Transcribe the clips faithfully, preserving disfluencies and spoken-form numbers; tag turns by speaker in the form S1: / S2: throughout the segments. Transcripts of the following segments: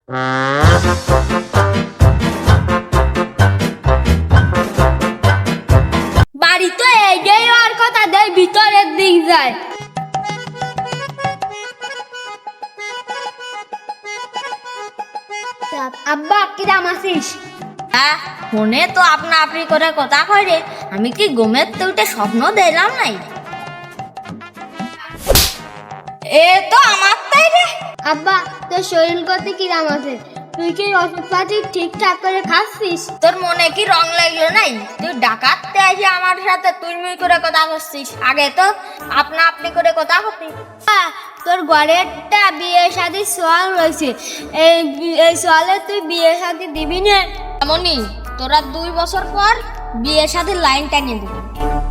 S1: বাড়ি তো এগিয়ে আর কথা দেয় ভিতরের দিক যায়। আব্বা কিরাম আছিস?
S2: হ্যাঁ, ফোনে তো আপনা আপনি করে কথা কয় রে। আমি কি ঘুমের তো উঠে স্বপ্ন দেখলাম নাই? এ তো আমার তাই রে।
S1: আব্বা তোর শরীর করতে কিরাম আছে? তুই কি ওষুধপাতি ঠিকঠাক করে খাচ্ছিস?
S2: তোর মনে কি রং লাগলো নাই? তুই ডাকাততে আসি আমার সাথে তুই মুই করে কথা করছিস। আগে তো আপনা আপনি করে কথা করতিস।
S1: তোর ঘরেরটা বিয়ে শাদী সোয়াল রয়েছে, এই এই সোয়ালে তুই বিয়ে শাদী দিবি না?
S2: এমনই তোরা দুই বছর পর বিয়ের সাথে লাইন টানিয়ে দিবি।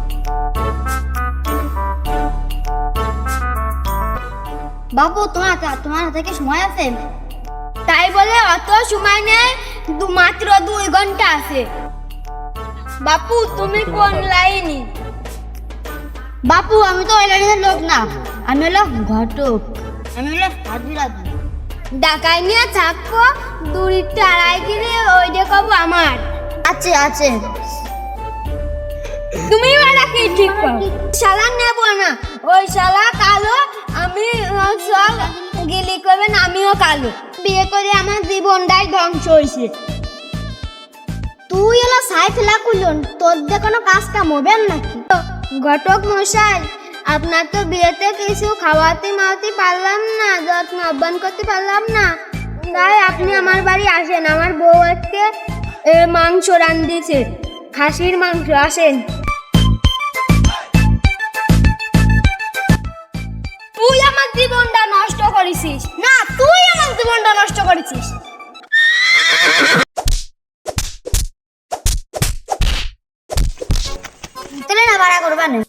S1: বাবু তোমার তোমার থেকে সময় আছে? তাই বলে অত সময় নেই, দু মাত্র দুই ঘন্টা আছে। বাপু তুমি কোন লাইনি? বাপু আমি তো ওই লাইনের লোক না, আমি হলো ঘটক, আমি হলো হাজিরাজি। ডাকাই নিয়ে থাকবো দুই টাড়াই কিনে ওই যে কব আমার আছে আছে। তুমি বলা কি ঠিক করো? শালা নেবো না, ওই শালা কালো, আমি সব গিলি করবেন, আমিও কালো। বিয়ে করে আমার জীবনটাই ধ্বংস হয়েছে। তুই এলো সাই ফেলা কুলন, তোর দিয়ে কোনো কাজ কাম হবে নাকি? ঘটক মশাই, আপনার তো বিয়েতে কিছু খাওয়াতে মাওয়াতে পারলাম না, যত্ন আহ্বান করতে পারলাম না, তাই আপনি আমার বাড়ি আসেন। আমার বউ আজকে মাংস রান্ধিছে, খাসির মাংস, আসেন। তুই আমার জীবনটা নষ্ট করেছিস। না, তুই আমার জীবনটা নষ্ট করেছিস। তাহলে না বাড়া করবা না।